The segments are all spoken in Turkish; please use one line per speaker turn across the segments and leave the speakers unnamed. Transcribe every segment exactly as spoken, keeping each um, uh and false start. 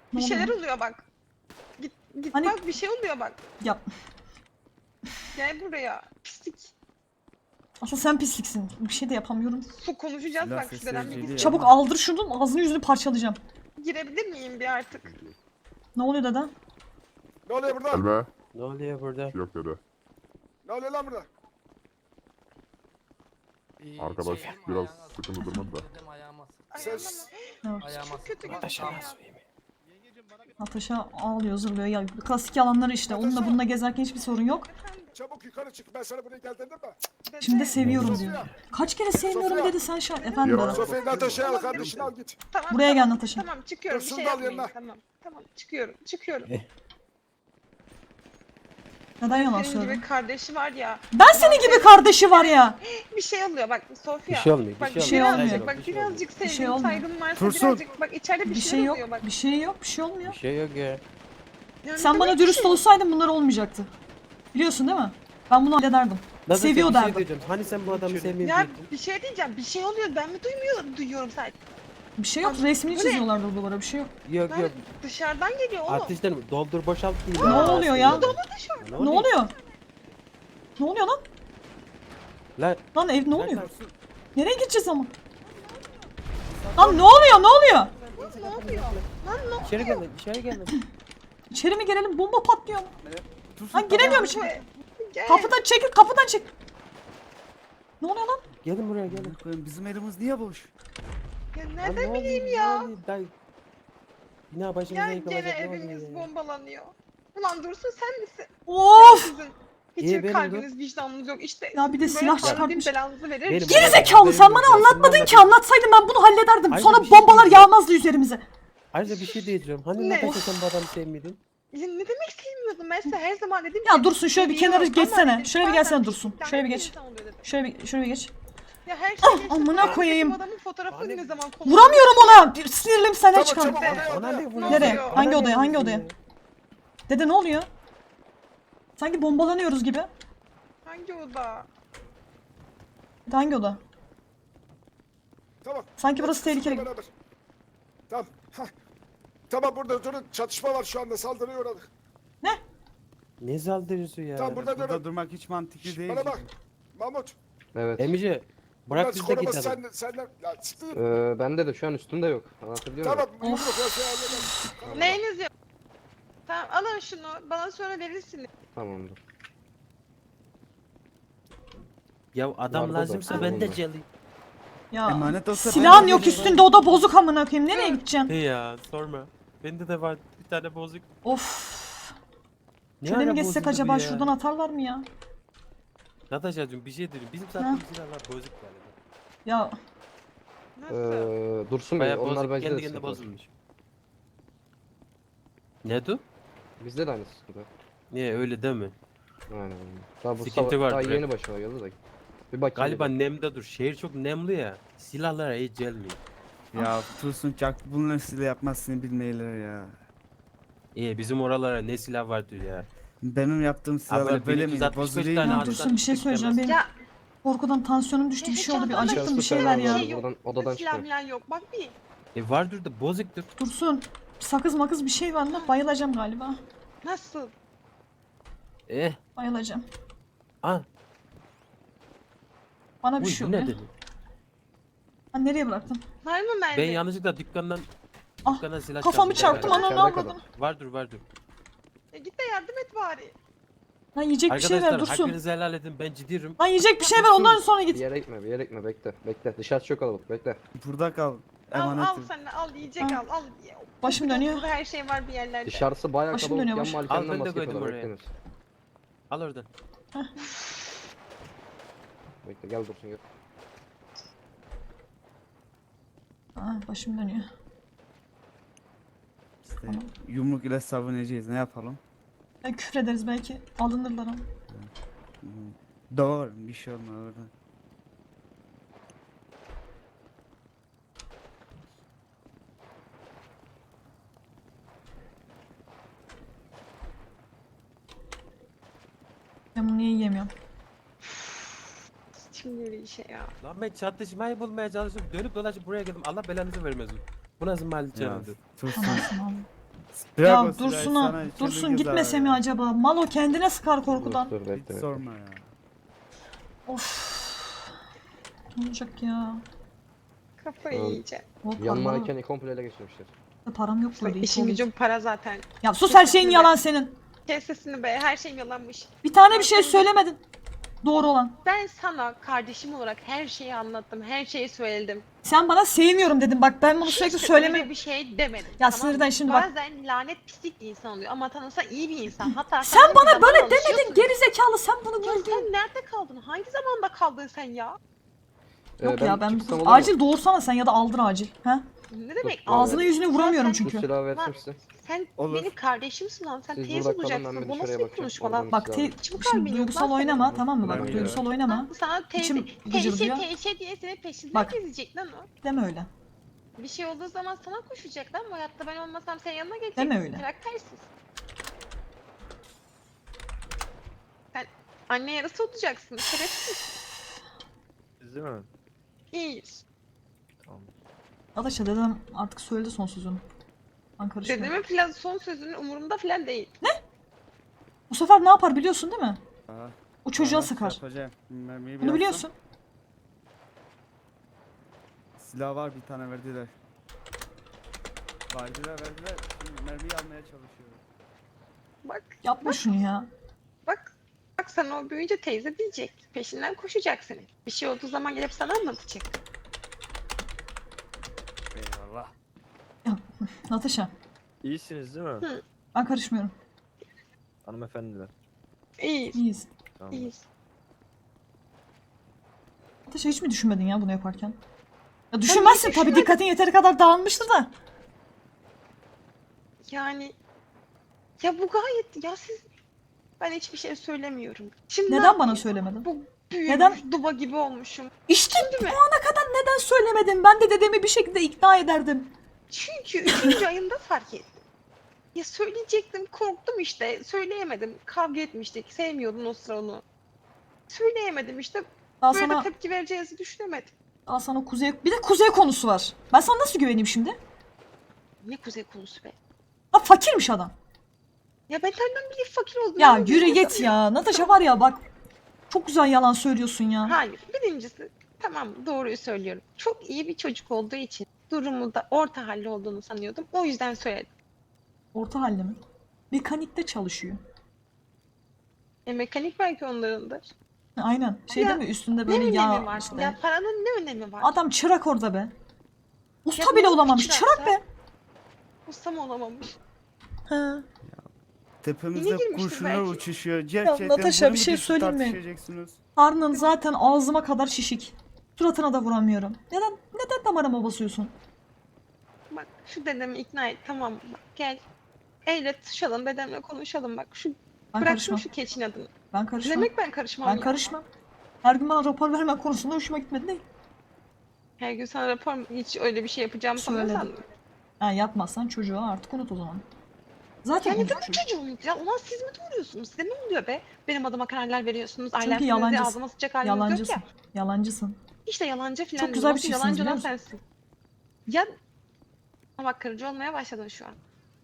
Bir
Ne
şeyler
oluyor?
oluyor bak. Git git
Hani-
bak bir şey oluyor bak.
Ya
Gel buraya. Pislik.
aslında sen pisliksin. Bir şey de yapamıyorum.
Su konuşacağız
Silah
bak
sesi
şuradan bir
geliyor.
git.
Çabuk
ama-
aldır şunu, ağzını yüzünü parçalayacağım.
Girebilir miyim bir artık?
Ne oluyor dede?
Ne oluyor burada?
Elme.
Ne oluyor burada?
Bir şey yok dede.
Ne oluyor lan burada?
Ee,
Arkadaş
şey,
biraz
ayağına
sıkıntı durmadı da.
Dedim ayağıma sıktı.
Ses.
Evet.
Ayağıma
Çok kötü
sıktı.
gözüküyor.
Natasha ağlıyor, zırlıyor. Ya klasik yalanları işte. Onunla bununla gezerken hiçbir sorun yok.
Çabuk yukarı çık. Ben sana buraya gel dedim mi?
Dede,
Şimdi de seviyorum
Sofya.
diyor. Kaç kere sevmiyorum
Sofya.
dedi sen şu an. Efendim
Ya.
dede.
Sofya'yı Natasha'ya al kardeşini al git.
tamam,
Buraya gel
tamam,
Natasha.
Tamam çıkıyorum
Dur,
bir
şunu
şey
da al
yapmayın.
yanına.
Tamam tamam çıkıyorum çıkıyorum.
Neden yalan
Senin
söyledin?
gibi kardeşi var ya.
Ben senin gibi kardeşi var ya.
Bir şey oluyor bak Sofya.
Bir şey olmuyor, bir
Bak
şey
şey
olmuyor.
olmuyor.
birazcık bak
Bir şey olmuyor.
birazcık
Bir şey
sevgim
olmuyor.
saygım varsa
Tursun.
birazcık bak içeride bir,
Bir
şey
şey yok.
oluyor bak.
Bir şey yok. Bir şey olmuyor.
Bir şey yok ya.
Ya ne
Sen bana
demek bir
dürüst
şey?
olsaydın bunlar olmayacaktı. Biliyorsun değil mi? Ben bunu hallederdim.
Nasıl
Seviyor
bir şey
derdim.
diyeceğim. Hani sen bu adamı
Ya
sevmiyordun?
bir şey diyeceğim bir şey oluyor ben mi duymuyorum duyuyorum sadece.
Bir şey yok.
Abi,
Resmini
bu ne?
çiziyorlardı duvara. Bir şey yok.
Yok
Ben
yok.
dışarıdan geliyor oğlum.
Artistler mi? Doldur boşalt değil.
Ne oluyor ya? Ne oluyor? Ne oluyor lan?
Lan
Lan ev ne oluyor?
lan sen-
Nereye gideceğiz ama? Lan ne oluyor? Ne oluyor?
Lan ne oluyor? Lan ne
İçeri gelin, içeri gelin.
İçeri mi girelim? Bomba patlıyor.
Tursun,
Lan giremiyorum
oluyor?
içeri.
Gel.
Kapıdan çekil, kapıdan çek. Ne oluyor lan?
Gelin buraya gelin.
Koyayım, bizim elimiz niye boş?
Ya
Lan
nereden
ne
bileyim
oluyor,
ya?
ne oluyor? Dayı. Bina başımıza
Ya
yıkılacak.
gene
ne oluyor
evimiz
ya?
bombalanıyor. Ulan Dursun sen misin?
Of!
Sizin
İyi,
hiçbir
benim
kalbiniz vicdanınız yok işte.
Ya bir de
böyle
silah
Tanrı
çıkartmış.
bin belanızı verir.
Benim-
Geri zekalı sen bana anlatmadın ki. Anlatsaydın ben bunu hallederdim.
Hayır,
Sonra
bir şey
bombalar
diyeceğim.
yağmazdı üzerimize.
Ayrıca bir şey diyeceğim. Hani
Ne?
Natasha sen bu adamı sevmiyordun?
Ya ne demek sevmiyordum ben size her zaman dedim
Ya
ki,
Dursun şöyle bir
seviyorum
kenara
ama
geçsene.
dedim,
Şöyle bir
bazen
gelsene Dursun.
lanet
Şöyle bir
bir
geç.
insan oluyor dedim.
Şöyle bir şöyle bir geç.
Ya her şey
Ah,
geçti.
amına
Sonra
koyayım.
bu adamın fotoğrafını
Hani-
ne zaman kullandım?
Vuramıyorum ona. Bir Sinirlim senden
Tamam,
çıkarım.
çabuk, hadi,
Bana
hadi.
ne vuruyorsun?
Nereye?
oluyor?
Hangi
Bana ne
odaya? Hangi
vuruyorsun
odaya?
ya?
Dede ne oluyor? Sanki bombalanıyoruz gibi.
Hangi oda?
Dede hangi oda?
Tamam.
Sanki burası
Sizinle
tehlikeli.
beraber. Tamam. Hah. Tamam burada durun. Çatışma var şu anda. Saldırıya uğradık.
Ne saldırısı ya?
Tamam burada
Burada
durun.
durmak hiç mantıklı değil.
Bana bak. Mahmut.
Evet.
Emice
Bunlar
bırak biz de
koruması
gidelim.
sen, senden. Ya siktir.
Ee, bende de şu an üstümde yok. Anlatabiliyor muyum?
Tamam. Yumruk ya şey hallederiz.
Neyiniz yok? Tamam alın şunu bana sonra verirsiniz.
Tamamdır.
Ya adam
Vardı da,
lazımsa ben de
tamam.
geleyim.
Ya
Emanet olsa ben
silahın
de
yok
vereyim.
üstünde, o da bozuk amına koyayım. Nereye gideceksin?
He ya sorma. Bende de var bir tane bozuk.
Of.
Ne
Şöyle
ara
mi geçsek
bozuldu bu
acaba?
ya?
Şuradan atarlar mı ya?
Natasha'cığım bir şey diyeyim. Bizim sattığımız silahlar bozuk galiba.
Ya
Nasıl?
Ee, Dursun Bey,
Bayağı
onlar
bozuk
bence
kendi
de
kendine
sıkıntı var.
bozulmuş. Ne du?
Bizde de aynı sıkıntı.
Niye öyle deme.
Aynen aynen. Daha bu
Sıkıntı
sabah,
var
daha
direkt.
yeni başıma geldi de. Bir bakayım.
Galiba
dedim.
nemde dur. Şehir çok nemli ya. Silahlara hiç gelmiyor.
Ya Tursun Çak bunları size yapmazsın bilmeyler ya.
İyi bizim oralara ne silah vardır ya.
Benim yaptığım silahlar
böyle
böyle
bin üç yüz
miydi?
altmış beş
Bozuluyor
tane
mu?
ya
adam-
Dursun bir şey söyleyeceğim. Benim
Ya
korkudan tansiyonum düştü. Bir şey oldu. Bir
Çantamda
acıktım. Bir
hiçbir
şey
şey
ver
var
ya.
mı?
şey yok.
Odadan- odadan
Silah
çıkıyor.
milah yok bak bir.
E vardır da bozuktur.
Dursun. Sakız makız bir şey var lan. Bayılacağım galiba.
Nasıl?
Eh.
Bayılacağım.
Al.
Bana bir
Uy
şey
bu ne
oluyor.
dedi?
Ha, nereye bıraktın?
Var mı mermi?
Ben yanlışlıkla dükkandan
Ah,
dükkandan silah
kafamı
çaldım.
çarptım
Evet,
ananı
içeride
avradım.
kadar.
Vardır vardır.
E git de yardım et bari.
Lan yiyecek bir şey ver
Arkadaşlar
Dursun.
hakkınızı helal edin ben ciddiyim.
Lan yiyecek bir şey ver ondan sonra
Bir
git.
yere gitme, bir yere gitme, bekle. Bekle. Dışarısı çok kalabalık, bekle.
Burada kal.
Al al
Emanetim.
sen de al yiyecek
Ha.
al al.
Başım
Burada
dönüyor.
Her şey var bir yerlerde.
Dışarısı bayağı
Başım
kalabalık.
dönüyor,
Yan
başım.
Al,
malikenden
ben de
baskı
koydum
yapıyorlar,
oraya.
bekleniz.
Al oradan.
Bekle, gel Dursun gel.
Aa, başım dönüyor.
İşte yumruk ile savunacağız. Ne yapalım?
Ya küfür ederiz belki. Alınırlar ama.
Doğru. Bir şey olmaz orada.
Ben bunu niye yiyemiyorum?
Şimdi öyle işe ya.
Lan ben çatışmayı bulmaya çalışıp dönüp dolaşıp buraya geldim. Allah belanızı vermesin. Bu nasıl mahalle
Ya
çağırdı?
Tursun.
Tamam tamam.
Bırak o
Ya
silahı,
Dursun
sana
ha.
içeride
Dursun
gezer
gitmese
ya.
mi acaba? Malo kendine sıkar
Dur
korkudan.
dur bekle
Hiç
bekle.
sorma ya.
Of. Ne olacak ya?
Kafayı
Oğlum,
yiyeceğim.
O
Yanma
para.
manken komple ele geçirmişler.
Param yok
Bak
böyle.
işin gücün para zaten.
Ya sus her şeyin
Kesinlikle.
yalan senin.
Kes sesini be, her şeyim yalanmış.
Bir tane bir şey söylemedin. Doğru olan.
Ben sana kardeşim olarak her şeyi anlattım, her şeyi söyledim.
Sen bana sevmiyorum dedin. Bak ben bunu
Hiç
sürekli
de
söyleme.
öyle bir şey demedim.
Ya
tamam
sinirden
mı?
şimdi bak.
Bazen lanet pislik bir insan oluyor ama tanısa iyi bir insan. Hatta
Sen
sana
bana
zaman
böyle
alışıyorsun.
demedin gerizekalı, sen bunu
Ya
gördün.
sen nerede kaldın? Hangi zamanda kaldın sen ya?
Yok
Ee,
ya ben
çıksam
bu-
olur mu?
acil doğursana sen ya da aldır acil. Ha?
Ne demek?
Dur,
Ağzına
evet.
yüzüne vuramıyorum
Sen-
Bu
çünkü.
silahı
Lan,
versin size.
Sen
Olur.
benim kardeşimsin lan. Sen
Siz
teyze
burada kalın, ben
olacaksın.
bir
Bu
dışarıya
nasıl bir
bakacağım.
konuşma
Oradan
lan?
Bak
silah
te-
alayım.
Hiç bu
şimdi
kalbin yok
duygusal
lan senin.
oynama tamam mı?
Ben
Bak
geliyorum.
duygusal oynama.
Lan sana teyze,
İçim
teyze,
gıcırdıyor.
teyze diye senin peşinden
Bak.
gezecek lan o.
Deme öyle.
Bir şey olduğu zaman sana koşacak lan. Bu hayatta ben olmasam senin yanına gelecek.
Deme öyle.
Karaktersiz. Sen anne yarısı olacaksın. Şerefsiz.
Siz değil mi?
İyiyiz.
Tamam.
Arkadaşlar dedem artık söyledi son sözünü. Ben karışmıyorum.
Dedemin falan son sözünün umurumda falan değil.
Bu sefer ne yapar biliyorsun değil mi?
Aha,
O çocuğa
aha,
sıkar.
yapacağım. Mermiyi bir
Bunu
atsam.
biliyorsun.
Silah var, bir tane verdiler. Verdiler verdiler. Şimdi mermiyi almaya çalışıyorum.
Bak.
Yapma şunu ya.
Bak. Bak sana o büyüyünce teyze diyecek. Peşinden koşacak senin. Bir şey olduğu zaman gelip sana anlatacak.
Eyvallah.
Natasha
İyisiniz değil mi?
Hı.
ben karışmıyorum.
Hanımefendiler.
İyiyiz.
İyiyiz.
Tamam.
İyiyiz.
Natasha hiç mi düşünmedin ya bunu yaparken? Ya düşünmezsin tabii,
düşünmedim.
dikkatin yeteri kadar dağılmıştır da.
Yani ya bu gayet ya siz ben hiçbir şey söylemiyorum. Şimdi ne
Neden bana
yapayım?
söylemedin?
Bu büyümüş
Neden?
duba gibi olmuşum.
İşte
Şimdi mi?
bu ana kadar neden söylemedin? Ben de dedemi bir şekilde ikna ederdim.
Çünkü üçüncü ayında fark ettim. Ya söyleyecektim, korktum işte. Söyleyemedim. Kavga etmiştik. Sevmiyordum o sıra onu. Söyleyemedim işte.
Daha
Böyle
sana,
tepki vereceğinizi düşünemedim.
daha sana kuzey... Bir de kuzey konusu var. Ben sana nasıl güveneyim şimdi?
Ne kuzey konusu be.
Ha fakirmiş adam.
Ya ben senden bile fakir oldum.
Ya
Ben
yürü
bunu
git
sanıyorum.
ya. Natasha var ya bak. Çok güzel yalan söylüyorsun ya.
Hayır. Birincisi tamam doğruyu söylüyorum. Çok iyi bir çocuk olduğu için durumu da orta halli olduğunu sanıyordum. O yüzden söyledim.
Orta halde mi? Mekanikte çalışıyor.
E, mekanik belki onlarındır.
Aynen. Şey
Ya,
değil mi? Üstünde
Ne
böyle
önemi
yağ
var?
işte.
Ya paranın ne önemi var?
Adam çırak orada be. Usta
Ya
bile
nasıl
olamamış.
çırak
Çırak
ya?
be.
Ustam olamamış.
Ha.
Tepemizde
girmiştir
kurşunlar
belki.
uçuşuyor. Gerçekten
Natasha,
bunu
bir
mu
şey
düşüp
söyleyeyim mi?
tartışacaksınız?
Karnın zaten ağzıma kadar şişik. Suratına da vuramıyorum. Neden neden damarıma basıyorsun?
Bak şu dedemi ikna et tamam mı? Bak gel. Elle tutuşalım dedemle konuşalım bak. Şu
Ben
bıraksın
karışmam.
şu keçin adını.
Ben
Ne
karışmam.
demek ben karışmam
Ben
ya?
karışmam. Her gün bana rapor verme konusunda hoşuma gitmedi değil.
Her gün sana rapor mu- hiç öyle bir şey yapacağımı
Söyledim.
sanıyorsan.
Ha, yapmazsan çocuğu artık unut o zaman. Zaten
Yani
unut
benim
çocuğu.
çocuğum ya. Ulan siz mi doğuruyorsunuz? Size ne oluyor be? Benim adıma kararlar veriyorsunuz.
Çünkü
Ailesinizi
yalancısın.
ağzıma sıcak haliniz yok
Yalancısın.
ya.
Yalancısın.
İşte yalancı falan.
Çok güzel bir
Nasıl
çiftsiniz,
yalancı
biliyor
olan
musun?
sensin. Ya ama bak kırıcı olmaya başladın şu an.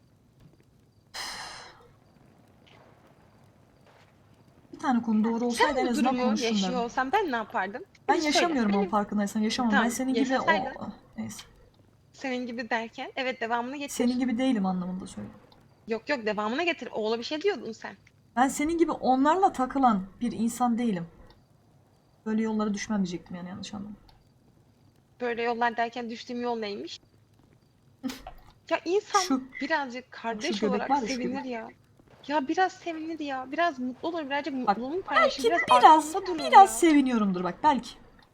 Bir tane konu doğru olsaydı
Sen
en
bu
azından
durumu
konuşurdum
yaşıyor
derdim.
olsan ben ne yapardım?
Ben
Bir söyle,
yaşamıyorum ama
benim-
farkındaysan yaşamam. Ben
Tamam,
senin gibi o...
yaşasaydın.
Neyse.
Senin gibi derken evet devamını getir.
Senin gibi değilim anlamında söylüyorum.
Yok yok devamını getir. Oğla bir şey diyordun sen.
Ben senin gibi onlarla takılan bir insan değilim. Böyle yollara düşmem diyecektim yani, yanlış anlama.
Böyle yollar derken düştüğüm yol neymiş? Ya insan
Şu-
birazcık kardeş
şu göbek
olarak
var ya, şu
sevinir
göbek.
ya. Ya biraz sevinir ya. Biraz mutlu olur. Birazcık
Bak,
mutluluğunu paylaşır.
Belki
Biraz,
biraz,
arkamda durur
biraz
ya.
seviniyorumdur bak belki.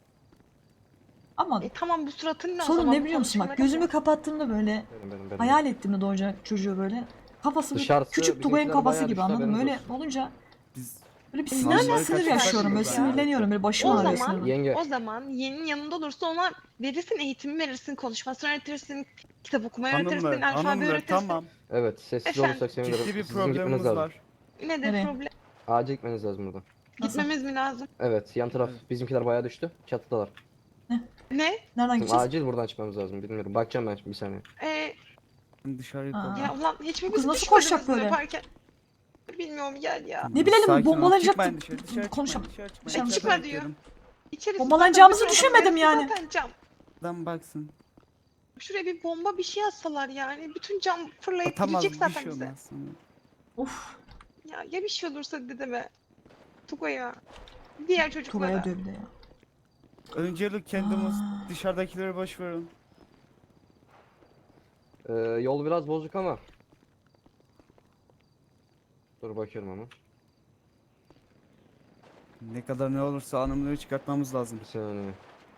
Ama
E tamam bu suratın ne o
sorun
zaman?
ne
Bu
biliyor musun bak,
konuşmaları
gözümü
yap.
kapattığımda böyle
Benim benim benim.
hayal ettiğimde doğacak çocuğu böyle. Kafası bir
Dışarısı
küçük Tugay'ın
bizimkiler
kafası
bayağı
gibi,
düştü,
anladın mı?
haberiniz
Öyle
olsun.
olunca
Biz
böyle bir
E,
sinir,
nereden
sinir
kaçmış
yaşıyorum, böyle
ya?
sinirleniyorum, böyle başım
O
ağrıyor
zaman-
sinirden.
Yenge.
O zaman yeğenin yanında olursa ona verirsin eğitimi verirsin, konuşmasını öğretirsin, kitap okumayı öğretirsin,
hanımlar,
alfabe
hanımlar
öğretirsin.
tamam.
Evet sessiz
Efendim?
olursak sevinirim.
Ciddi bir
Sizin gitmeniz
problemimiz
lazım.
var.
Nedir
Nereye?
problem?
Acil gitmeniz lazım buradan.
Nasıl?
Gitmemiz mi lazım?
Evet yan taraf
Evet.
bizimkiler bayağı düştü. Çatıdalar.
Ne?
Nereden
Şimdi
gideceğiz?
acil buradan çıkmamız lazım. Bilmiyorum. Bakacağım ben şimdi bir saniye.
Ee,
Dışarıya
Aa.
koy.
Ya ulan hiç mi
Bu kız
biz
nasıl
düşmediniz
koşacak
mi
böyle?
yaparken? Bilmiyorum gel ya.
Ne bilelim,
Sakin ol,
bombalanacak
çıkmayın
mı?
dışarı, dışarı çıkmayın,
Konuşalım.
dışarı çıkmayın.
Dışarı
İçeride
çıkma diyor.
bekliyorum.
İçerisi
Bombalanacağımızı
zaten bizim
düşünmedim
odamız,
yani.
Zaten cam.
Adam baksın.
Şuraya bir bomba bir şey atsalar yani. Bütün cam fırlayıp
Atamaz,
gidecek
bir
zaten
şey
bize.
olmaz sana.
Of.
Ya ya bir şey olursa dedeme. Tugay'a. Diğer çocuklara.
Tugay'a diyor bir de ya.
Öncelik kendimiz
Aa.
dışarıdakileri boş verin.
Ee, yol biraz bozuk ama. Dur bakıyorum ama.
Ne kadar ne olursa anımları çıkartmamız lazım.
Bir saniye.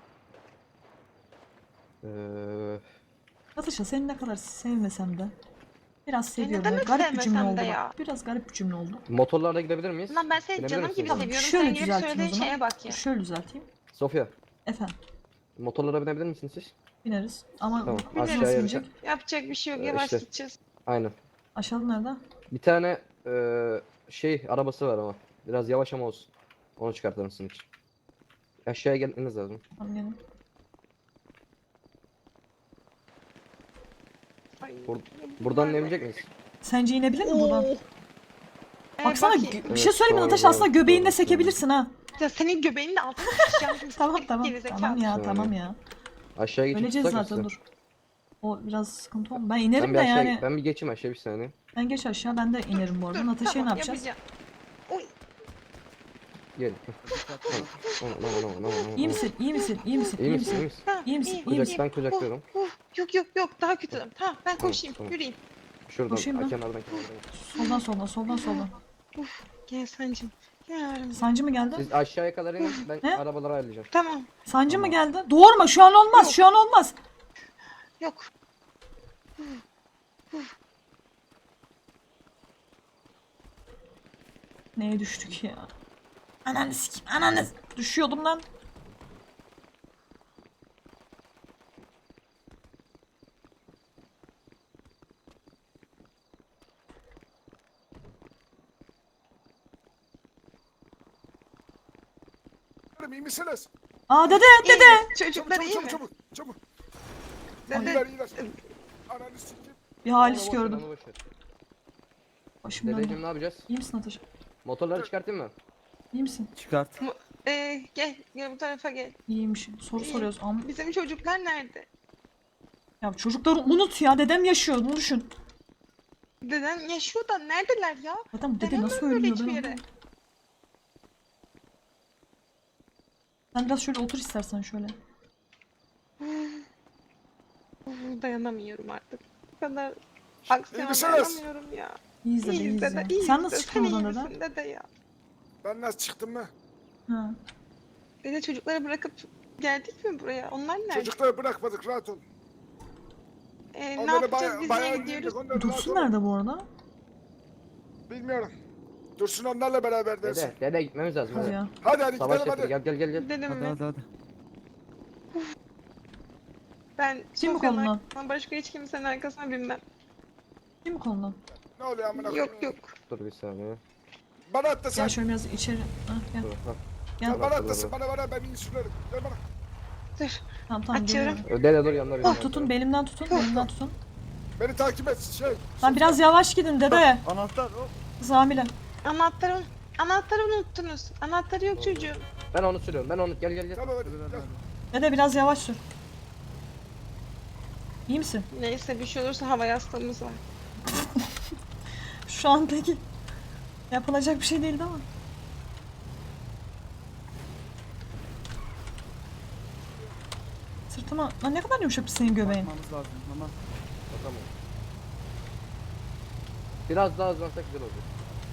Ee,
Natasha seni ne kadar sevmesem de biraz seviyorum.
neden
ya.
hiç
Garip bir cümle
sevmesem
oldu
de
bak.
ya?
Biraz garip bir cümle oldu.
motorlarla gidebilir miyiz?
Lan ben seni
Binebilir
canım
misin
gibi
sen?
seviyorum.
Şöyle
Senin gelip
düzelteyim o
söylediğin
zaman.
şeye bak ya.
Şöyle düzelteyim.
Sofya,
Efendim
motorlara binebilir misiniz siz?
bineriz. Ama
Tamam,
nasıl
aşağıya
binecek?
Yapacak bir şey yok.
Ee,
Yavaş
işte.
gideceğiz.
Aynen.
Aşağıda nerede?
Bir tane ee, şey arabası var ama. Biraz yavaş ama olsun. Onu çıkartır mısın hiç? Aşağıya gelmeniz lazım.
Tamam gelin.
Ay,
Bur-
ya
Buradan
bunlar ne?
inebilecek miyiz?
Sence inebilir mi buradan?
Oo. Ee,
Baksana
bakayım.
gö- bir
Evet,
şey söyleyeyim mi
doğru,
Natasha, aslında
doğru,
göbeğinde
doğru,
sekebilirsin ha.
Ya senin göbeğinin altına sıçacağım. şimdi.
Tamam tamam
Gerizekalı.
tamam ya
Saniye.
tamam ya.
Aşağıya geçip
Öleceğiz
tutsak
zaten
mısın?
dur. O biraz sıkıntı oldu. Ben
Ben
inerim
bir
de
aşağı,
yani.
ben bir geçeyim aşağı bir saniye.
Ben geç aşağı, ben de inerim bu arada.
Dur,
Natasha'ya
tamam,
ne yapacağız?
yapacağım. Oy.
Gel. Aman aman aman aman.
İyi misin? İyi misin? İyi misin?
İyi misin? İyi misin?
Tamam,
İyi misin?
iyiyim,
İyi
iyiyim.
misin?
Kucak, ben kucaklıyorum.
Oh, oh. Yok yok yok daha kötü. Tamam ben
Tamam,
koşayım
tamam.
yürüyeyim.
Şuradan,
Koşayım
ha,
ben.
kenardan kenardan.
Soldan soldan soldan soldan.
Gel Sancım. Gel aramıza.
Sancı mı geldi?
Siz aşağıya kadar inin, ben
Ne?
arabaları ayarlayacağım.
Tamam
Sancı mı geldi? Doğurma, şu an olmaz.
Yok.
Şu an olmaz.
yok.
Neye düştük ya? Ananı sikeyim, ananı. Düşüyordum lan.
İyi misiniz?
Aa dede,
İyi
dede.
mi?
Çabuk
Çocuklar
çabuk
iyi
çabuk
mi?
çabuk. Çabuk.
Dede
İyiler iyiler. Ananı sikeyim.
Bir
Onu
halis
boş ver,
gördüm.
onu boş ver.
Başım
Dedeciğim
döndü.
ne yapacağız?
İyi misin Natasha?
Motorları çıkartayım mı?
İyi misin?
Çıkart.
Ee, gel gel bu tarafa gel.
İyiymişim. Soru
İyi.
soruyoruz. Am
Bizim çocuklar nerede?
ya çocukları unut ya. Dedem yaşıyor. Bunu düşün.
Dedem yaşıyor da neredeler ya?
Zaten bu dede
Dedem
nasıl
ölmüyor
ölmüyor
hiçbir
ben
yere.
anlamadım. Sen biraz şöyle otur istersen şöyle.
Uf, dayanamıyorum artık. Bu kadar aksiyona
misiniz?
dayanamıyorum ya.
İyiyiz dede,
İyiyiz
iyiyiz
dede,
ya.
iyiyiz
Sen
dede.
nasıl çıktın
Sen iyi
oradan dede?
misin dede ya?
Ben nasıl çıktım mı?
Ha.
Dede çocukları bırakıp geldik mi buraya? Onlar nerede?
Çocukları bırakmadık rahat ol.
Ee, ne
Onları
yapacağız
baya-
biz
bayağı
niye
indirdik,
gidiyoruz?
onları rahat
Dursun
ol.
nerede bu arada?
Bilmiyorum. Dursun onlarla beraber dersin.
Dede, dede gitmemiz lazım.
Hadi
Hadi.
ya.
Hadi hadi
Savaş
gidelim
getir,
hadi.
gel gel gel gel.
Dedim
Hadi
mi?
hadi hadi.
Ben
Kim bu
Sofya'nın
konudan?
arkasına başka hiç kimsenin arkasına binmem.
Kim bu konudan?
Ne oluyor amına koyayım?
Yok yok.
Dur bir saniye.
Bana at da sen.
Gel şöyle biraz içeri. Ha, gel.
Dur, ha.
Gel.
Sen bana at da
Dur,
sen
dur.
bana bana ben iyi sürerim. Gel bana.
Dur.
Tamam tamam
Açıyorum.
geliyorum.
Dede dur yanına bir.
Oh, tutun belimden tutun. Belimden tutun.
Beni takip et şey.
Lan biraz yavaş gidin dede.
Anahtar. hop.
Kız hamile.
Anahtarı, anahtarı unuttunuz. Anahtarı yok çocuğum.
Ben onu sürüyorum. Ben onu gel gel gel.
Gel hadi. Gel.
Dede biraz yavaş sür. İyi misin?
Neyse bir şey olursa hava yastığımız var.
Şu an peki. Yapılacak bir şey değildi ama. Sırtıma... Lan ne kadar yumuşak senin göbeğin.
Bakmamız lazım. Tamam.
Tamam. Biraz daha hızlansak güzel olur.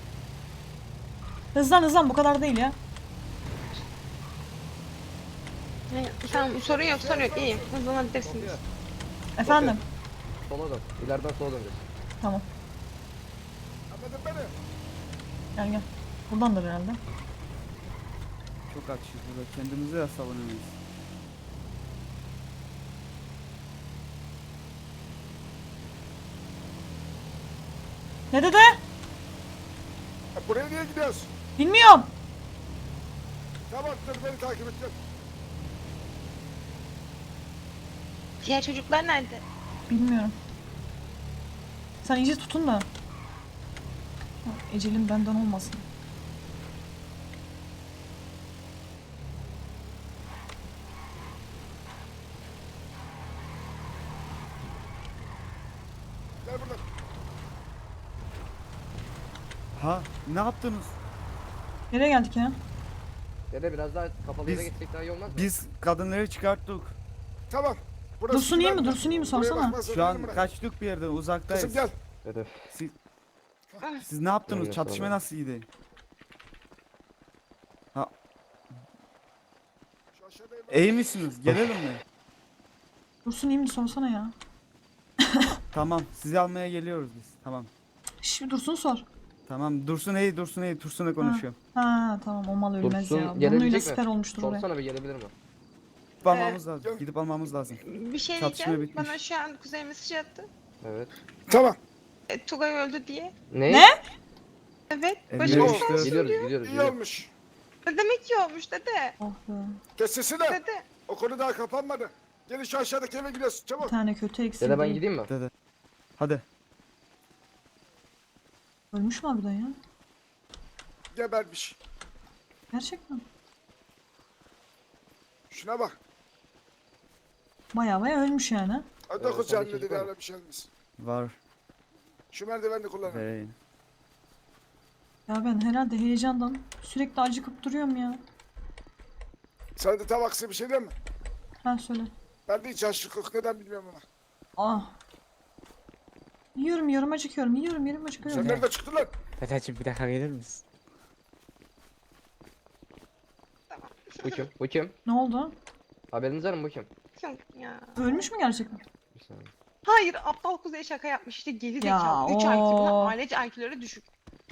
Hızlan hızlan, bu kadar değil ya.
Ne, tamam sorun yok sorun yok iyiyim. Hızlanabilirsiniz.
Sofya,
Efendim.
sola dön. İleriden sola döneceğiz.
Tamam.
Anladın beni?
Gel gel. Buradandır herhalde.
Çok açız burada. Kendimizi de savunamayız.
Ne dede?
Ya buraya niye gidiyoruz?
Bilmiyorum.
Tamam dur beni takip et gel.
Diğer çocuklar nerede?
Bilmiyorum. Sen iyice tutun da. Ha, ecelim benden olmasın.
Gel buradan.
Ha ne yaptınız?
Nereye geldik ya?
Dede biraz daha kapalı yere
Biz-
gitsek daha iyi olmaz mı?
Biz kadınları çıkarttık.
Tamam. Burası
Dursun iyi mi?
güvenli.
Dursun iyi mi?
Buraya
Sorsana.
bakmazsan
Şu an
ölürüm ben.
kaçtık bir yerden uzaktayız.
Kızım gel.
Dede.
Siz, siz ne yaptınız?
Öyle
Çatışma
sonra.
nasıl iyiydi?
Şu aşağıdayım.
İyi misiniz? Gelelim mi?
Dursun iyi mi? Sorsana ya.
Tamam. Sizi almaya geliyoruz biz. Tamam.
Şş, bir Dursun sor.
Tamam. Dursun iyi, Dursun iyi. Dursun'la konuşuyorum.
Ha tamam o mal ölmez
Dursun
ya. Bunun
gelebilecek
öyle
mi?
siper olmuştur oraya.
Sorsana bir gelebilir mi?
Gidip almamız
Ee,
lazım. Gidip almamız lazım.
Bir şey
Çatışma
diyeceğim.
bitmiş.
Bana şu an Kuzey mesaj attı.
Evet.
Tamam.
E, Tugay öldü diye.
Ne?
Ne?
Evet.
E,
Başımız
biliyoruz
sağ
işte.
olsun
Gidiyoruz
diyor.
gidiyoruz.
İyi
gidiyoruz.
olmuş.
Ne demek iyi olmuş dede.
Oh be.
Kes sesini.
Dede.
O konu daha kapanmadı. Gelin şu aşağıdaki eve gidiyoruz.
Bir
Çabuk.
tane kötü eksik
Dede ben
değil.
gideyim mi?
Dede. Hadi.
Ölmüş mü harbiden ya?
Gebermiş.
Gerçekten.
Şuna bak.
Baya baya ölmüş yani.
Hadi
Evet,
dokuz
sende
canlı
çocuk
dedi
var mı?
öyle bir şey olmaz.
Var.
Şu merdivenini kullanın.
Vereyim.
Ya ben herhalde heyecandan sürekli acıkıp duruyorum ya.
Sana da tam aksi bir şey değil mi?
Ha söyle.
Ben de hiç açlık yok. Neden bilmiyorum ama.
Ah. Yiyorum yiyorum acıkıyorum. Yiyorum yiyorum acıkıyorum.
Sen nerede çıktın lan?
Dedeciğim bir dakika gelir misin?
Bu kim? Bu kim?
Ne oldu?
Haberiniz var mı bu kim?
Yok ya.
Ölmüş mü gerçekten?
Bir saniye.
Hayır aptal Kuzey şaka yapmış işte geri
Ya,
zekalı. üç I Q. Bunlar
o.
ailece I Q'ları düşük.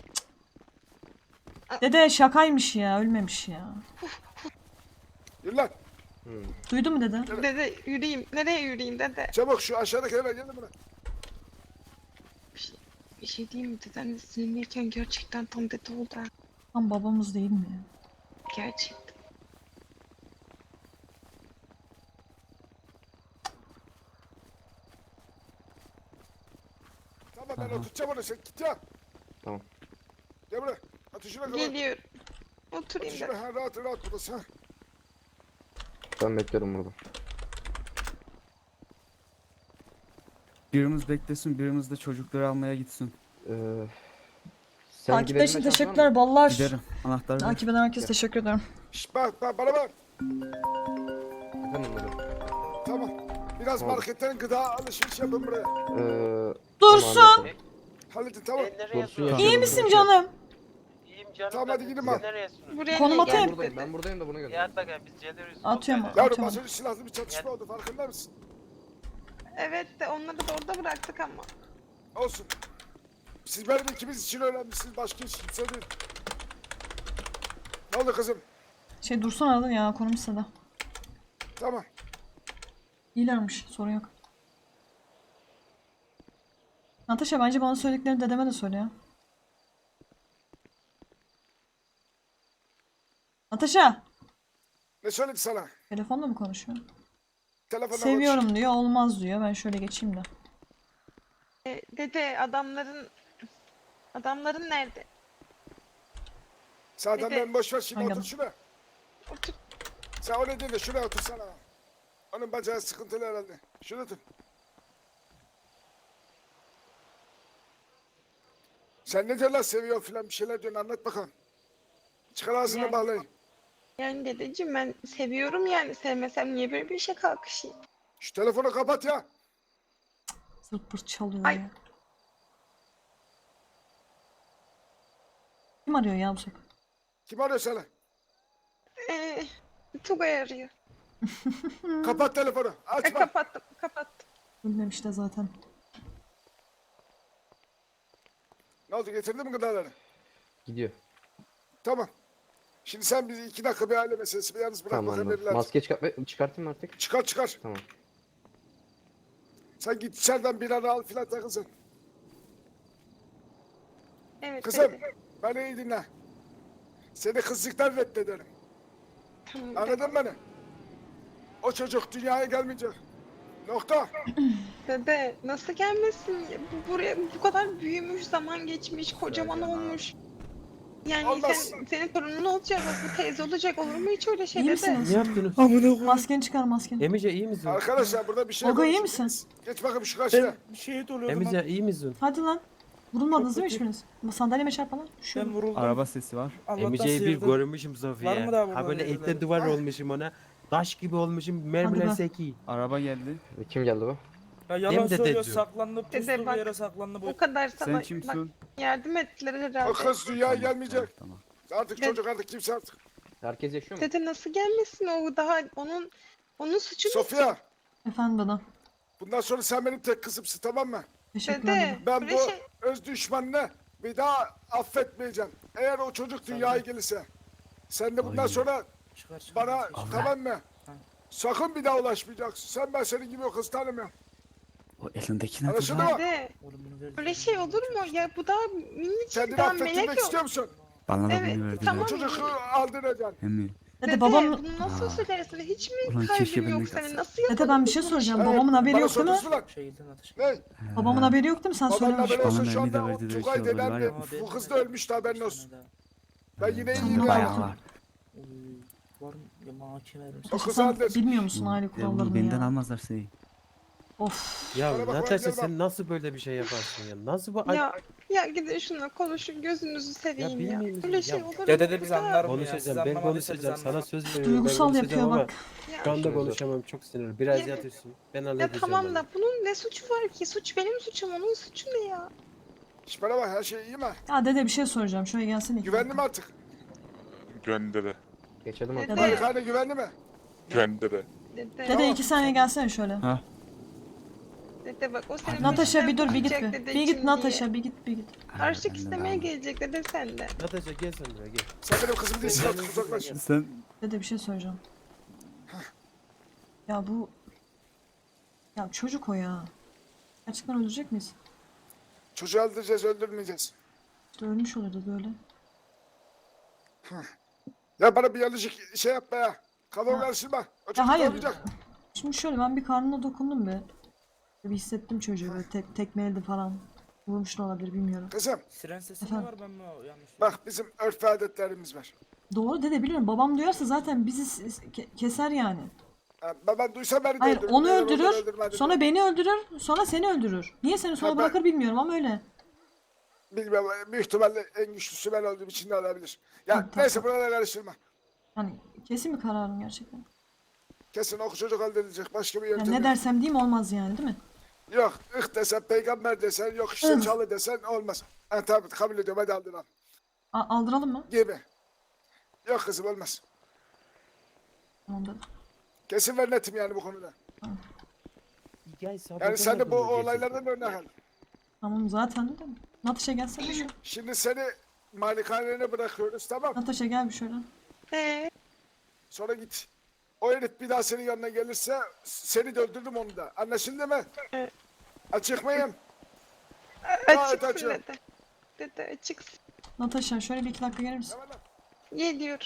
Dede şakaymış ya ölmemiş ya.
Yürü lan.
Hmm.
Duydu mu dede?
Dede yürüyeyim. Nereye yürüyeyim dede?
Çabuk şu aşağıdaki eve gelin buna.
Bir şey, bir şey diyeyim mi? Deden de sinirliyken gerçekten tam dede oldu ha.
Tam babamız değil mi ya?
Gerçekten.
Tamam ben
Aha.
oturacağım onu sen git ya.
Tamam.
Gel buraya. Atın şuna kadar.
Geliyorum.
Atın
Oturayım
şuna.
dede.
Ha, rahat rahat buradasın ha.
Ben bekliyorum burada.
Birimiz beklesin, birimiz de çocukları almaya gitsin.
Ee, sen
Takip
gidebilme
için
şansın var
teşekkürler
mı?
ballar.
Giderim. Anahtarı ver.
Takip eden herkese teşekkür ederim.
Şşt bak bak bana bak.
Efendim dede.
Tamam. Biraz
Tamam.
marketten gıda alışveriş yapın buraya.
Ee,
Dursun.
tamam, anladım.
Halledin tamam.
Dursun
Tamam.
İyi
yaşıyorum.
misin canım?
İyiyim canım.
Tamam,
da
hadi
biz
gidin
siz
bak.
nereye sürüyorsunuz?
Buraya
Konum
niye
atayım.
Ben
geldin
buradayım,
dede?
ben buradayım da bunu
Ya
gönder.
at bakalım biz geliyoruz.
Atıyorum.
Sohbet edelim.
Yavrum
Tamam.
az önce silahlı bir çatışma oldu farkında mısın?
Evet de onları da orada bıraktık ama.
Olsun. Siz benim ikimiz için önemlisiniz. Başka hiç kimse değil. Ne oldu kızım?
Şey Dursun aradı ya konum istedi.
Tamam.
İyilermiş sorun yok. Natasha bence bana söylediklerini dedeme de söyle ya. Natasha!
Ne söyledi sana?
Telefonla mı konuşuyor?
Telefonla konuş.
Seviyorum diyor olmaz diyor. Ben şöyle geçeyim de.
E, dede adamların... Adamların nerede?
Zaten
Bir de-
ben boş ver şimdi
Hangi
otur
adam?
şuraya.
Otur.
Sen öyle değil de şuraya otursana. Onun bacağı sıkıntılı herhalde. Şuraya otur. Sen ne diyorlar seviyor filan bir şeyler diyorsun anlat bakalım. Çıkar ağzını
Yani-
bağlayın.
Yani dedeciğim ben seviyorum yani. Sevmesem niye böyle bir işe kalkışayım?
Şu telefonu kapat ya.
Zırt pırt çalıyor
Ay.
ya. Kim arıyor ya bu sefer?
Kim arıyor seni?
Ee, Tugay arıyor.
Kapat telefonu.
E,
Açma.
kapattım, kapattım.
Ölmemiş de zaten.
Ne oldu getirdin mi gıdaları?
Gidiyor.
Tamam. Şimdi sen bizi iki dakika bir aile meselesi bir yalnız bırak
Tamam
bakalım
anladım.
evlat.
Maske çıkart çıkartayım mı artık?
Çıkar çıkar.
Tamam.
Sen git içeriden bir ara al filan takılsın.
Evet
Kızım
dede.
beni iyi dinle. Seni kızlıktan reddederim.
Tamam, dede.
Anladın beni? O çocuk dünyaya gelmeyecek. Nokta.
Dede nasıl gelmesin? Bu- Buraya bu kadar büyümüş, zaman geçmiş, kocaman
Sergen abi.
olmuş. Yani
Olmaz.
sen, senin torunun olacak, bak bu teyze olacak. Olur mu hiç öyle şey
İyi
dede?
misiniz?
Ne yaptınız?
Amına koyayım.
Maskeni çıkar maskeni.
Emice iyi misin?
Arkadaşlar burada bir şey
Olga, iyi
konuşuyoruz.
misin?
Geç bakayım şu karşıya.
Ben şehit oluyorum.
Emice iyi misin?
Hadi lan. Vurulmadınız
Çok
değil mi
kötü.
hiçbiriniz? Sandalyeme çarpma lan.
Ben
Düşüyorum.
vuruldum. Araba sesi var. Allah'tan
Emice'yi bir
sıyırdım.
görmüşüm Sofya.
Var mı daha burada
Ha böyle
birileri?
etten duvar olmuşum ona. Taş gibi olmuşum.
Hadi
Mermiler
be.
seki.
Araba geldi.
Kim geldi bu?
Ya
Hem
yalan
de
söylüyor,
dedi.
saklandı, pustu
Dede
bir
bak,
yere saklandı bu.
O kadar sana
Sen
bak,
kimsin?
yardım ettiler
O
herhalde.
kız dünyaya gelmeyecek.
Tamam.
Artık
Ben-
çocuk artık kimse artık.
Herkes yaşıyor mu?
Dede nasıl gelmesin o daha onun onun suçu ne?
Sofya,
Efendim bana.
bundan sonra sen benim tek kızımsın, tamam mı?
Teşekkürler
Dede
dedim.
Ben
böyle
bu
şey
öz düşmanını bir daha affetmeyeceğim. Eğer o çocuk dünyaya gelirse. Sen de bundan
Ay.
sonra
Çıkar çıkar.
bana
çıkar.
tamam mı?
Ha.
Sakın bir daha ulaşmayacaksın. Sen ben senin gibi o kız tanımıyorum.
O elindeki ne?
Anlaşıldı mı?
dede
Oğlum bunu ver.
öyle şey olur mu? Ya bu daha minicik
Kendini
daha
affettirmek
melek yok.
istiyor musun?
Bana da
Evet,
bunu verdiler.
tamam.
O çocuğu aldıracaksın.
Emmi.
Dede,
Dede
babam...
bunu nasıl
Aa.
söylersin? Hiç mi
Ulan keşke
kalbin
ben de
yok senin?
kalsam.
Nasıl
Dede ben bir şey
yapabilirsin?
soracağım.
Evet,
Babamın haberi
bana
yok değil mi?
soruyorsun lan.
Şehirden atış.
Ne?
Babamın haberi yok değil mi? Sen
Babanın
söylemiş.
haberi olsa
Bana
şu
Emmi de
anda o
verdi de bir
Tugay
şey oldu,
denen
var
bir
ya.
bu kız da ölmüştü, haberin olsun. Ben yine
Tamam,
iyiyim
bayağı
ya.
Bayağı var.
Oy, var mı? Ya mahkeme verim.
O
İşte
kız
sen
hallet.
bilmiyor musun aile
Ya bunu
kurallarını
benden
ya?
almazlar seni.
Of.
Ya
Bana bak, bana
Natasha
gel bak.
sen nasıl böyle bir şey yaparsın ya? Nasıl bu? Ay,
Ya ya gidin şuna konuşun gözünüzü seveyim ya.
bilmiyor musun?
Öyle
Ya
şey olur mu?
Dede de biz
Ya,
anlar bunu ya. Siz
konuşacağım. Ben
anlamadıysanız
konuşacağım. Sana
anlamam.
söz veriyorum. Ben
Duygusal
konuşacağım
yapıyor
ama
bak.
Ya,
şu anda konuşamam. Çok sinirli. Biraz
Ya-
yatıyorsun. Ben
ya
halledeceğim.
tamam
onu.
da bunun ne suçu var ki? Suç benim suçum, onun suçu ne ya?
Şş, bana bak, her şey iyi mi?
Ya dede bir şey soracağım. Şöyle gelsene.
Güvenli mi artık?
Göndere.
Geçelim
Dede.
artık.
Dede.
Malikane güvenli mi?
Göndere.
Dede,
Dede iki saniye gelsene şöyle.
Ha.
dede bak o senin
Natasha bir
peşinden
dur bir git
koşacak
bir.
dede
Bir
için
git Natasha
diye.
bir git bir git.
Harçlık
Benden
istemeye
alma.
gelecek dede sende.
Natasha gel sen buraya gel.
Sen benim kızım değilsin,
Ben-
artık uzaklaş.
Sen
Dede bir şey soracağım. Ya bu... Ya çocuk o ya. Gerçekten öldürecek miyiz?
Çocuğu öldüreceğiz, öldürmeyeceğiz.
İşte ölmüş olurdu böyle.
Ya bana bir yanlışlık şey yapma ya. Kafamı
Ya-
karıştırma. O
Ya
çocuk
hayır.
olmayacak.
Şimdi şöyle ben bir karnına dokundum be. Bir hissettim çocuğu böyle tek, tekmeledi falan. Vurmuş da olabilir bilmiyorum.
Kızım
siren sesi mi
Efendim?
var, ben mi yanlış?
bak, bizim örf ve adetlerimiz var.
Doğru dede biliyorum. Babam duyarsa zaten bizi s- s- ke- keser yani.
Ha, ben, ben duysam beni de
Hayır
öldürür.
onu
Eğer ondan
öldürür.
öldürmedi
Sonra
de.
beni öldürür. Sonra seni öldürür. Niye seni sonra
Ha, ben-
bırakır bilmiyorum ama öyle.
Bilmem, büyük ihtimalle en güçlüsü ben olduğum için de olabilir. Ya
Tamam, tamam,
neyse, buralara karıştırma.
Yani kesin bir kararım gerçekten.
Kesin o çocuk öldürülecek. Başka bir
Yani
yöntem
ne
yok.
dersem diyeyim olmaz yani değil mi?
Yok, ıh desen, peygamber desen, yok işte
Ih.
çalı desen olmaz. Ha tabii, kabul ediyorum, hadi aldın al.
A- aldıralım mı?
Gibi. Yok kızım, olmaz.
Tamam dede.
Kesin ve netim yani bu konuda.
Gel sabah
Yani sen de bu
demedin mi
olaylardan örnek al.
Tamam zaten de. Natasha gelsene şöyle.
Şimdi seni malikanene bırakıyoruz, tamam.
Natasha gel bir şöyle.
Ee,
Sonra git. O herif bir daha senin yanına gelirse seni de öldürdüm, onu da. Anlaşıldı mı?
Evet.
Açık mıyım? Gayet
açıksın
açığım.
dede. Dede açıksın.
Natasha şöyle bir iki dakika gelir misin?
Tamam lan.
Geliyor.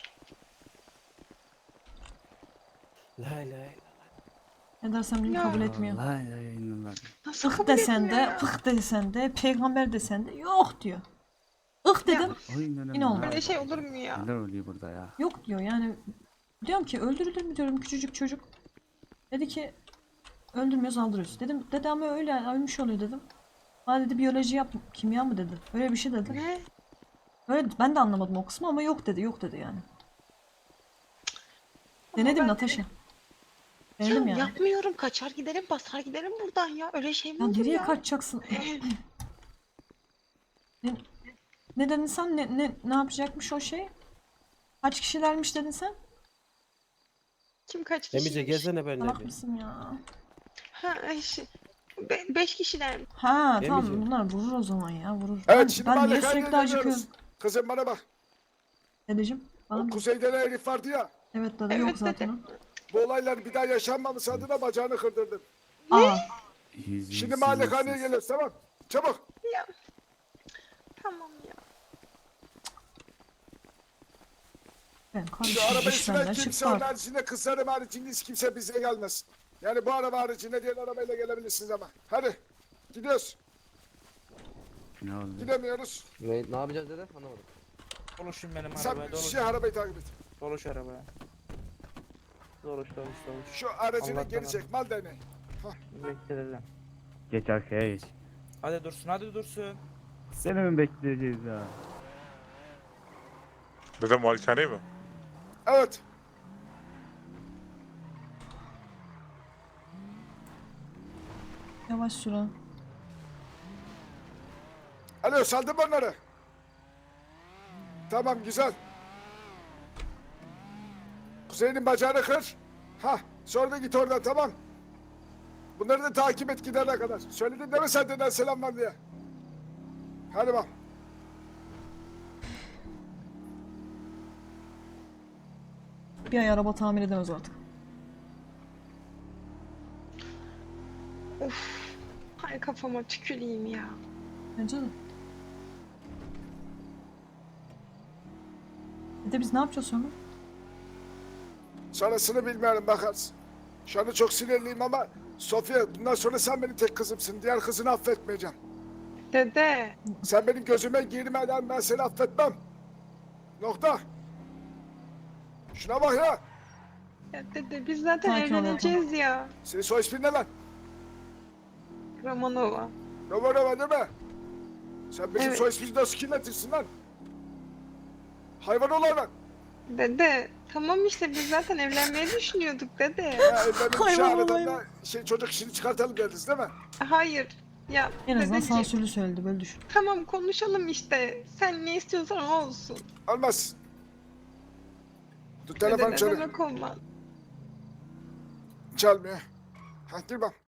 Lay lay.
Ne dersem diyeyim
Ya.
kabul etmiyor.
Allah ya inanılmaz.
Nasıl
Ih
kabul
desen
etmiyor
de,
ya?
pıh desen de, peygamber desen de yok diyor. Ih dedim,
Oy inanılmaz.
Yine olmaz.
Öyle şey olur mu ya?
Neler oluyor burada ya?
yok diyor yani. Diyorum ki öldürülür mü diyorum küçücük çocuk. Dedi ki öldürmüyoruz aldırıyoruz. Dedim dede ama öyle ölmüş oluyor dedim. Bana dedi biyoloji yap, kimya mı dedi. Öyle bir şey dedi.
Ne?
Öyle ben de anlamadım o kısmı ama yok dedi, yok dedi yani. Denedim
ben-
Natasha.
Ya
Denedim yani.
yapmıyorum, kaçar giderim, basar giderim buradan ya. Öyle şey mi
Ya
olur
nereye
ya?
kaçacaksın? ne, ne dedin sen? Ne, ne, ne yapacakmış o şey? Kaç kişilermiş dedin sen?
Kim kaç
Emice
kişiymiş?
gelsene benimle
Salak
bir.
mısın ya?
Ha, şey, be- beş kişiler mi?
Ha tamam
Emice.
bunlar vurur o zaman ya vurur.
Evet,
ben
şimdi
ben niye
malikaneye
sürekli acıkıyorum?
geliyoruz. Kızım bana bak.
Dedeciğim bana
O
mı?
kuzeyde ne herif vardı ya.
Evet dede
Evet,
yok zaten o.
Bu olaylar bir daha yaşanmaması adına bacağını kırdırdım.
Aa
Yüz-
Şimdi
yüz-
malikaneye
yüz-
geliyoruz, tamam. Çabuk.
Ya. Tamam ya.
ben
Şu
karıştım
arabayı
iş
süren
benden
kimse,
çıktı
onun
artık.
haricinde kızlarım haricinde hiç kimse bize gelmez. Yani bu araba haricinde diğer arabayla gelebilirsiniz ama. Hadi gidiyoruz.
Ne oldu?
Gidemiyoruz.
Ne, ne yapacağız dede? Anlamadım.
Dolaşın benim
Sen
arabaya dolaş.
şey arabayı takip et.
Dolaş arabaya. Dolaş dolaş dolaş.
Şu aracını
Allah'tan
geri çek. Mal değneği.
Bekle dedem.
Geç arkaya geç.
Hadi dursun hadi dursun.
Seni mi bekleyeceğiz ya?
Dedem malikaneyi mi?
Evet.
Yavaş sür ha.
Alo saldın mı onları? Tamam güzel. Kuzey'in bacağını kır. Ha sonra da git oradan tamam. Bunları da takip et gidene kadar. Söyledin değil mi sen deden selam var diye? Hadi bak.
Bir ay araba tamir edemez artık.
Hay kafama tüküreyim ya.
Bence de. Bir de biz ne yapacağız sonra?
Sonrasını bilmiyorum bakarsın. Şu anda çok sinirliyim ama Sofya bundan sonra sen benim tek kızımsın. Diğer kızını affetmeyeceğim.
Dede.
Sen benim gözüme girmeden ben seni affetmem. Nokta. Şuna bak ya.
Ya dede biz zaten
Sakin ol
evleneceğiz ya.
Senin soy ismin ne lan?
Romanova.
Romanova değil mi? Sen bizim
Evet.
soy ismimizi nasıl kirletirsin lan? Hayvan ol hayvan.
Dede tamam işte biz zaten evlenmeyi düşünüyorduk dede.
Ya evlenin şu
Hayvan ol
aradan
hayvan.
da şey, çocuk işini çıkartalım dediniz değil mi?
Hayır. Ya
En azından
dedeciğim,
sansürlü söyledi böyle düşün.
tamam konuşalım işte. Sen ne istiyorsan o olsun.
Olmaz. Dur telefon
Dede ne
çalıyor.
demek olmaz.
Çalmıyor. Ha gir bak.